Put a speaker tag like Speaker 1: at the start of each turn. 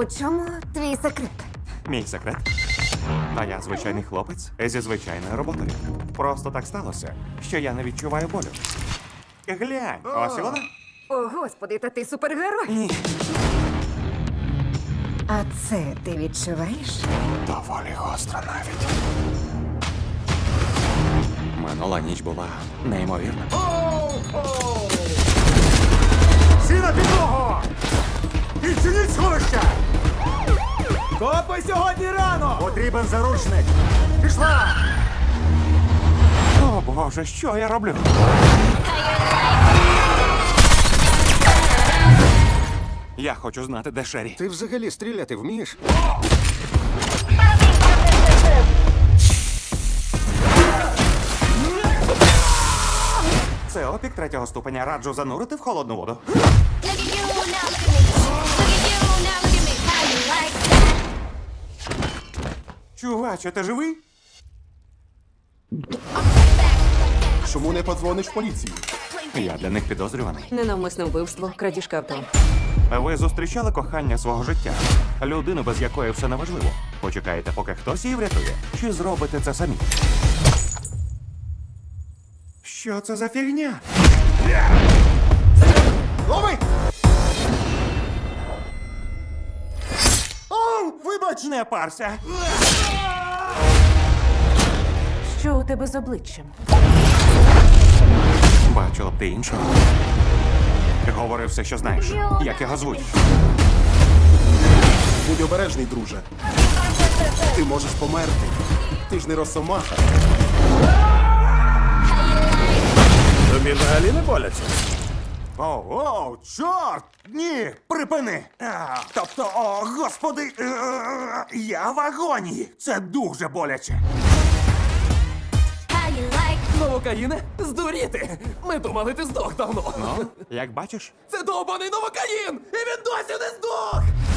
Speaker 1: У чому твій секрет?
Speaker 2: Мій секрет. А я звичайний хлопець зі звичайною роботою. Просто так сталося, що я не відчуваю болю. Глянь, ось і вона.
Speaker 1: О, господи, та ти супергерой.
Speaker 2: Ні.
Speaker 1: А це ти відчуваєш?
Speaker 2: Доволі гостро навіть. Минула ніч була неймовірна.
Speaker 3: Всі на підлогу! Відчиніть сховища!
Speaker 4: Копи сьогодні рано!
Speaker 3: Потрібен заручник! Пішла!
Speaker 2: О, Боже, що я роблю? Я хочу знати, де Шері.
Speaker 3: Ти взагалі стріляти вмієш?
Speaker 2: Це опік третього ступеня. Раджу занурити в холодну воду.
Speaker 5: Look at you now, look at me. Look at you now, look at me. How you like that?
Speaker 2: Чуваче, ти живий?
Speaker 3: Чому не подзвониш в поліцію?
Speaker 2: Я для них підозрюваний.
Speaker 6: Ненавмисне вбивство, крадіжка авто.
Speaker 2: Ви зустрічали кохання свого життя? Людину, без якої все неважливо. Почекаєте, поки хтось її врятує? Чи зробите це самі? Що це за фігня?
Speaker 3: Лови!
Speaker 2: О, вибач, не парся.
Speaker 6: Що у тебе з обличчям?
Speaker 2: Бачила б ти іншого. Говори все, що знаєш. Як його звуть?
Speaker 3: Будь обережний, друже. Ти можеш померти. Ти ж не росомаха.
Speaker 4: Тобі взагалі не боляться?
Speaker 2: Оу, чорт! Ні, припини! Тобто, о, господи, я в агонії. Це дуже боляче.
Speaker 5: How you like
Speaker 4: Новокаїне? Здуріти! Ми думали, ти здох давно.
Speaker 2: Ну, як бачиш?
Speaker 4: Це довбаний новокаїн! І він досі не здох!